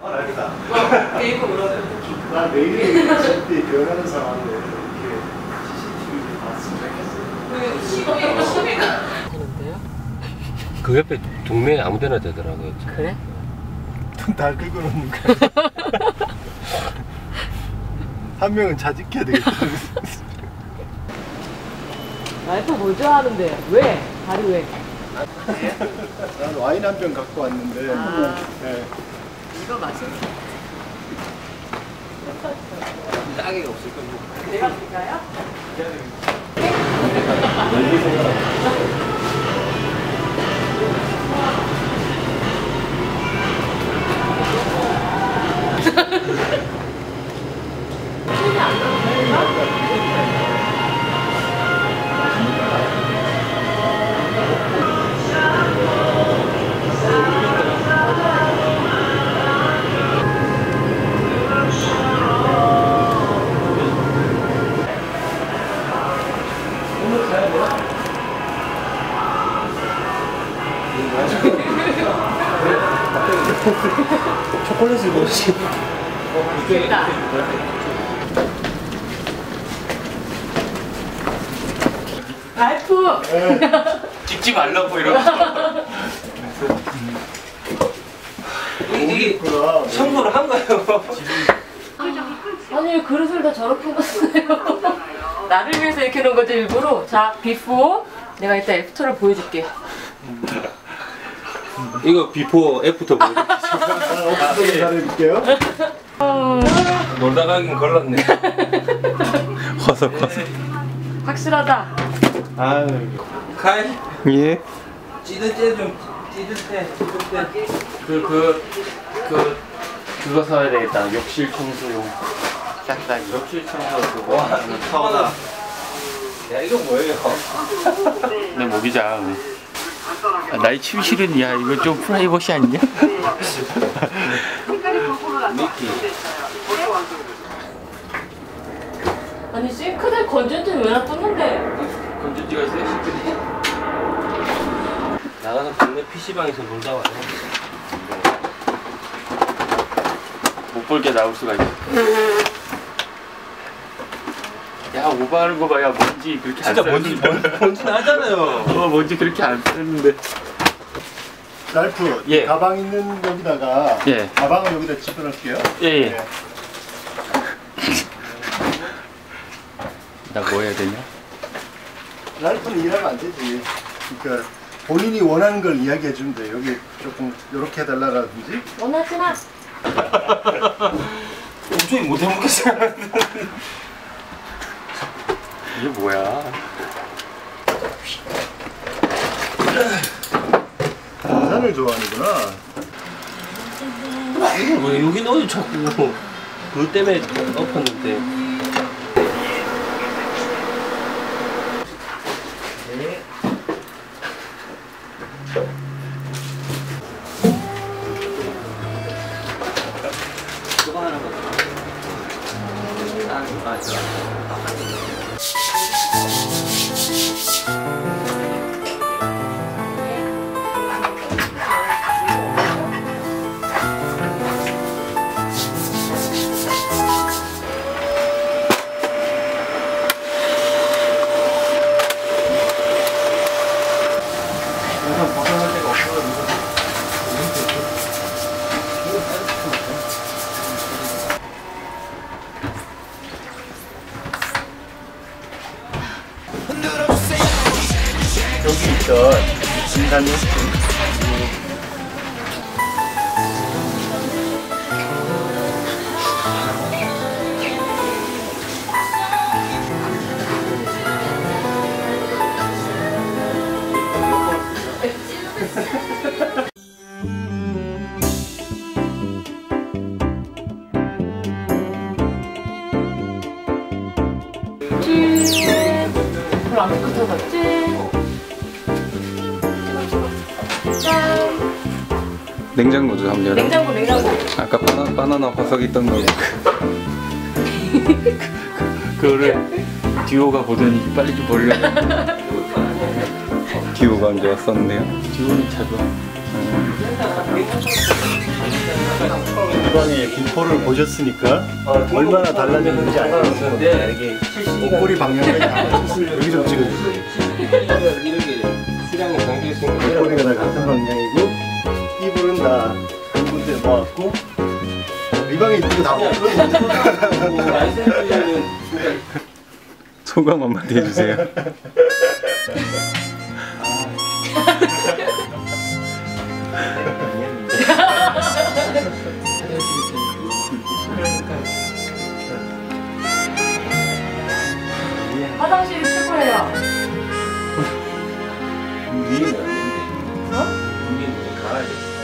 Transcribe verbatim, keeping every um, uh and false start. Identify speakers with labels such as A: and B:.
A: 아, 알겠다.
B: 어, 게임을 몰라요.
A: 나 내일이 절대 변하는 상황에 이렇게 씨씨티비를 봤으면 좋겠어요.
B: 시험이 시험이가 하는데요?
C: 그 옆에 동네에 아무데나 되더라고요.
B: 그래?
A: 다 긁어놓는 거야. 한 명은 자직해야 되겠다.
B: 와이프 뭐 좋아하는데? 왜? 다리 왜?
A: 난 와인 한 병 갖고 왔는데.
B: 아.
A: 네.
B: 이거 마실까?
C: 따개가 없을 겁니다.
B: 내가 줄까요?
C: 초콜릿을 먹으시.
B: 됐다. 와이프!
C: 찍지 말라고 이러면서. 이게 청소를 한 거예요.
B: 아니 왜 그릇을 다 저렇게 놨어요? 나를 위해서 이렇게 놓은 거지 일부러. 자, 비포. 내가 이따 애프터를 보여줄게.
C: 이거 비포 애프터 보여줄게요.
A: 아, 어떻게 잘해줄게요?
C: 놀다 가긴 걸렀네. 허석 허석.
B: 확실하다.
A: 아유.
C: 칼?
A: 예.
C: 찌들 때좀 찌들 때 찌들 때그그 그 그거 사야 되겠다. 욕실 청소용. 싹싹이. 욕실 청소 그거. 와, 타워다. 야, 이거 뭐예요?
D: 내 모기자. 아, 나의 침실은 야 이거 좀 프라이버시 아니냐?
C: 미키.
B: 아니 싱크대 건전지 왜 놔뒀는데?
C: 건전지가 있어요? 싱크대? 나가서 동네 피시방에서 놀다 와요.
D: 못 볼 게 나올 수가 있어. 야 오버하는 거 봐야 먼지 그렇게 안
C: 진짜 먼지 먼지 먼지 나잖아요.
D: 어 먼지 그렇게 안 쓰는데.
A: 랄프,
D: 예.
A: 가방 있는 여기다가
D: 예.
A: 가방을 여기다 집어넣을게요.
D: 예예.
A: 예.
D: 나 뭐 해야 되냐?
A: 랄프는 일하면 안 되지. 그러니까 본인이 원하는 걸 이야기해 주면 돼. 여기 조금 이렇게 해달라든지.
B: 원하지 마.
C: 도저히 못 해먹겠어요.
D: 이게 뭐야?
A: 등산을 좋아하는구나.
C: 왜 여기 넣어요 자꾸. 그것 때문에 엎었는데. 그거 하나 봐. 아, 맞아. 벗어날 데가 없어가지고.
A: 여기 있던 진단이
B: 별로 안 깨끗하겠지? 짠!
D: 냉장고죠 한번 열어.
B: 냉장고 냉장고.
D: 아까 바나, 바나나 화석 있던 거. 그거를 듀오가 보더니 빨리 좀 버리려고. 듀오가 언제 왔었는데요? 듀오는 잘 봐. 음.
A: 이번에 김포를 보셨으니까 얼마나 달라졌는지 알겠어요. 이게 목걸이 방향이 달라졌어요. 여기 좀 찍어주세요.
C: 수량이 담겨있으니까
A: 목걸이가 다 같은 방향이고 이불은 다 한 군데 모았고 이 방에 있는 거다 먹고
C: 라이센스는
D: 소감 한마디 해주세요.
B: 화장실이 최고예요.
C: 위에는 안 된대. 어? 위에는 가야 돼.